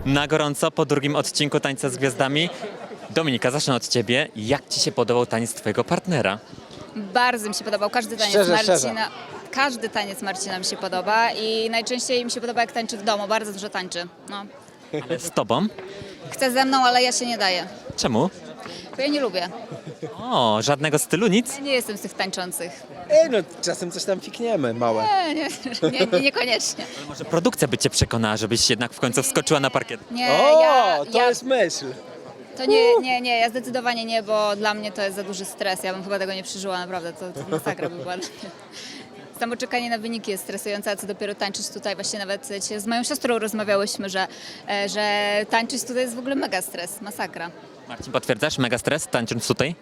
Na gorąco po drugim odcinku Tańca z Gwiazdami. Dominika, zacznę od ciebie. Jak ci się podobał taniec twojego partnera? Bardzo mi się podobał każdy taniec Szczerze. Każdy taniec Marcina mi się podoba i najczęściej mi się podoba, jak tańczy w domu. Bardzo dużo tańczy. No. Ale z tobą? Chce ze mną, ale ja się nie daję. Czemu? Bo ja nie lubię. O, żadnego stylu, nic? Ja nie jestem z tych tańczących. No czasem coś tam fikniemy, małe. Niekoniecznie. Może produkcja by cię przekonała, żebyś jednak w końcu wskoczyła na parkiet. Nie, To jest myśl. To nie, ja zdecydowanie nie, bo dla mnie to jest za duży stres. Ja bym chyba tego nie przeżyła, naprawdę, to masakra by była. Samo czekanie na wyniki jest stresujące, a co dopiero tańczyć tutaj. Właśnie nawet dzisiaj z moją siostrą rozmawiałyśmy, że tańczyć tutaj jest w ogóle mega stres, masakra. Marcin, potwierdzasz? Mega stres tańcząc tutaj?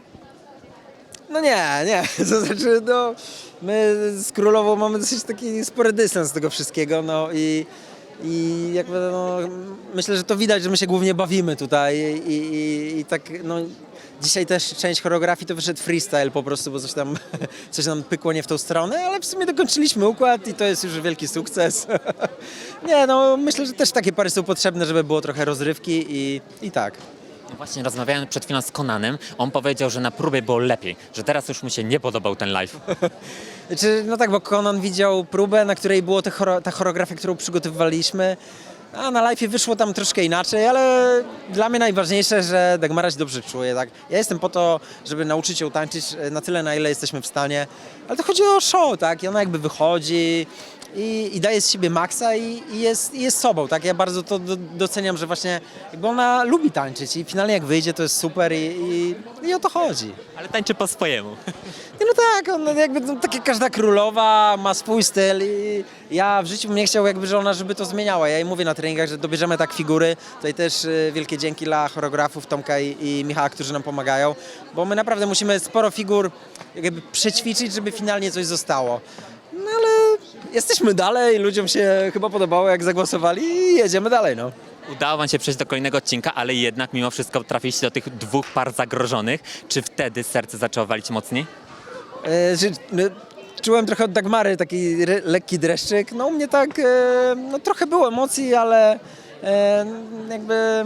No nie. To znaczy, no, my z Królową mamy dosyć taki spory dystans z tego wszystkiego, no i jakby, no, myślę, że to widać, że my się głównie bawimy tutaj i tak, no, dzisiaj też część choreografii to wyszedł freestyle po prostu, bo coś nam pykło nie w tą stronę, ale w sumie dokończyliśmy układ i to jest już wielki sukces. Nie, no, myślę, że też takie pary są potrzebne, żeby było trochę rozrywki i tak. No właśnie rozmawiałem przed chwilą z Konanem. On powiedział, że na próbie było lepiej, że teraz już mu się nie podobał ten live. Znaczy, no tak, bo Conan widział próbę, na której było ta choreografia, którą przygotowywaliśmy, a na live wyszło tam troszkę inaczej, ale dla mnie najważniejsze, że Dagmara się dobrze czuje, tak? Ja jestem po to, żeby nauczyć ją tańczyć na tyle, na ile jesteśmy w stanie, ale to chodzi o show, tak? I ona jakby wychodzi i daje z siebie maksa i jest sobą, tak? Ja bardzo to doceniam, że właśnie jakby ona lubi tańczyć i finalnie jak wyjdzie, to jest super i o to chodzi. Ale tańczy po swojemu. Nie, no tak, on jakby no, tak jak każda królowa ma swój styl i ja w życiu bym nie chciał jakby, żeby to zmieniała. Ja jej mówię na treningach, że dobierzemy tak figury. Tutaj też wielkie dzięki dla choreografów Tomka i Michała, którzy nam pomagają, bo my naprawdę musimy sporo figur jakby przećwiczyć, żeby finalnie coś zostało. No ale jesteśmy dalej, ludziom się chyba podobało, jak zagłosowali i jedziemy dalej, no. Udało wam się przejść do kolejnego odcinka, ale jednak mimo wszystko trafiliście do tych dwóch par zagrożonych. Czy wtedy serce zaczęło walić mocniej? Czułem trochę od Dagmary taki lekki dreszczyk. No u mnie tak, no trochę było emocji, ale jakby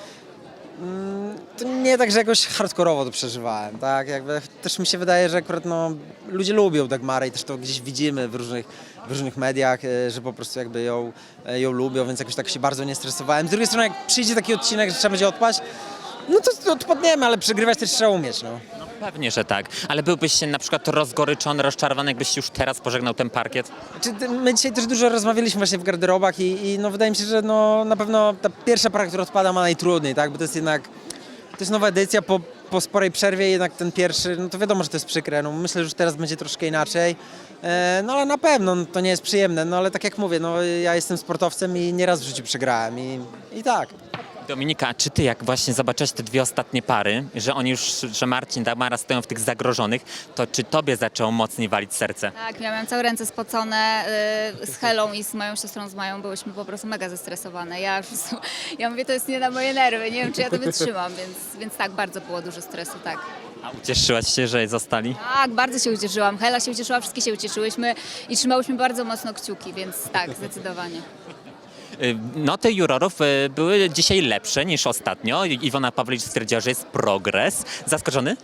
to nie tak, że jakoś hardkorowo to przeżywałem, tak? Jakby też mi się wydaje, że akurat no, ludzie lubią Dagmarę i też to gdzieś widzimy w różnych mediach, że po prostu jakby ją lubią, więc jakoś tak się bardzo nie stresowałem. Z drugiej strony, jak przyjdzie taki odcinek, że trzeba będzie odpaść, no to odpadniemy, ale przegrywać też trzeba umieć, no. No pewnie, że tak. Ale byłbyś się na przykład rozgoryczony, rozczarowany, jakbyś już teraz pożegnał ten parkiet? My dzisiaj też dużo rozmawialiśmy właśnie w garderobach i no wydaje mi się, że no na pewno ta pierwsza para, która odpada, ma najtrudniej, tak? Bo to jest jednak, to jest nowa edycja po sporej przerwie, jednak ten pierwszy, no to wiadomo, że to jest przykre. No myślę, że już teraz będzie troszkę inaczej. No ale na pewno no, to nie jest przyjemne, no ale tak jak mówię, no ja jestem sportowcem i nieraz w życiu przegrałem i tak. Dominika, czy ty jak właśnie zobaczyłeś te dwie ostatnie pary, że oni już, że Marcin, Dagmara stoją w tych zagrożonych, to czy tobie zaczęło mocniej walić serce? Tak, ja miałam całe ręce spocone z Helą i z moją siostrą, z Mają, byłyśmy po prostu mega zestresowane. Ja mówię, to jest nie na moje nerwy, nie wiem, czy ja to wytrzymam, więc tak, bardzo było dużo stresu, tak. A ucieszyłaś się, że zostali? Tak, bardzo się ucieszyłam. Hela się ucieszyła, wszystkie się ucieszyłyśmy i trzymałyśmy bardzo mocno kciuki, więc tak, zdecydowanie. Noty jurorów były dzisiaj lepsze niż ostatnio. Iwona Pawlicz stwierdziła, że jest progres. Zaskoczony?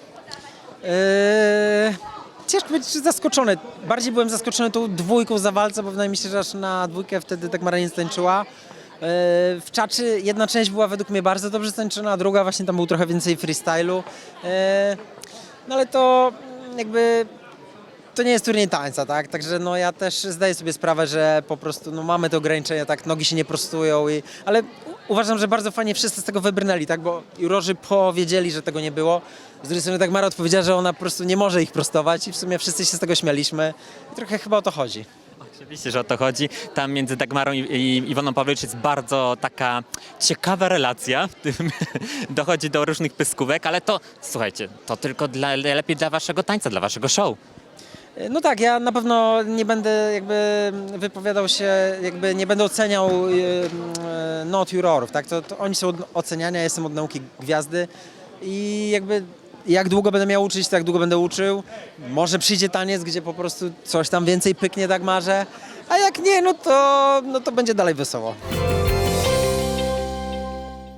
Ciężko być zaskoczony. Bardziej byłem zaskoczony tą dwójką za walce, bo wydaje mi się, że aż na dwójkę wtedy Dagmara nie tańczyła. W czaczy jedna część była według mnie bardzo dobrze tańczona, a druga właśnie tam był trochę więcej freestylu. No ale to jakby to nie jest turniej tańca, tak? Także no ja też zdaję sobie sprawę, że po prostu no mamy te ograniczenia, tak? Nogi się nie prostują, ale uważam, że bardzo fajnie wszyscy z tego wybrnęli, tak? Bo jurorzy powiedzieli, że tego nie było. Z drugiej strony Dagmara odpowiedziała, że ona po prostu nie może ich prostować i w sumie wszyscy się z tego śmialiśmy. I trochę chyba o to chodzi. Oczywiście, że o to chodzi. Tam między Dagmarą i Iwoną Pawlicz jest bardzo taka ciekawa relacja. W tym dochodzi do różnych pyskówek, ale to, słuchajcie, to tylko lepiej dla waszego tańca, dla waszego show. No tak, ja na pewno nie będę jakby wypowiadał się, jakby nie będę oceniał not jurorów, tak? To oni są od oceniania, ja jestem od nauki gwiazdy i jakby jak długo będę miał uczyć, tak długo będę uczył. Może przyjdzie taniec, gdzie po prostu coś tam więcej pyknie Dagmarze, a jak nie, no to będzie dalej wesoło.